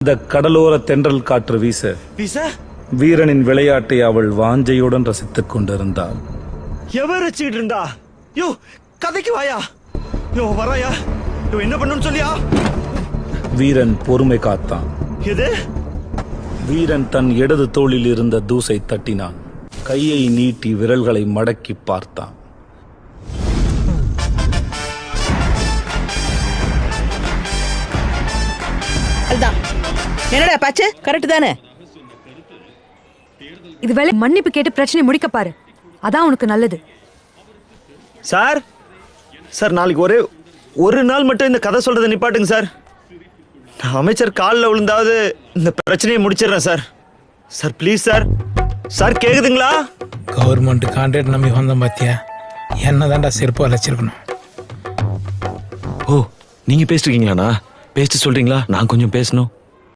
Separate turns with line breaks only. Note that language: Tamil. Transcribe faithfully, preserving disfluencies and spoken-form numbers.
இந்த கடலோர தென்றல் காற்று வீச
வீச
வீரனின் விளையாட்டை அவள் வாஞ்சையுடன் ரசித்துக் கொண்டிருந்தாள்.
எவர் வச்சுக்கிட்டு இருந்தா? யோ கதைக்கு வாயா. யோ வராயா. யோ என்ன பண்ணணும்னு சொல்லியா?
வீரன் பொறுமை காத்தான்.
எது?
வீரன் தன் இடது தோளில் இருந்த தூசை தட்டினான். கையை நீட்டி விரல்களை மடக்கி பார்த்தான்.
என்னடா பாச்சு, கரெக்ட் தானே?
இது வேலை மன்னிப்பு கேட்டு பிரச்சனை முடிக்க பாரு, அதான் உனக்கு நல்லது.
சார் சார் நாளைக்கு ஒரே ஒரு நாள் மட்டும் இந்த கதை சொல்றதை நிப்பாட்டுங்க சார். அமைச்சர் காலில் விழுந்தாவது இந்த பிரச்சனையை முடிச்சிடுறேன் sir. Sir please sir. Sir கேக்குதுங்களா?
கவர்மெண்ட் கான்ட்ராக்ட் நம்பி வந்தோம் பாத்தியா, என்ன தான்டா செருப்பு அழைச்சிருக்கணும்.
ஓ நீங்க பேசிருக்கீங்களாண்ணா? பேசிட்டு சொல்றீங்களா? நான் கொஞ்சம் பேசணும்.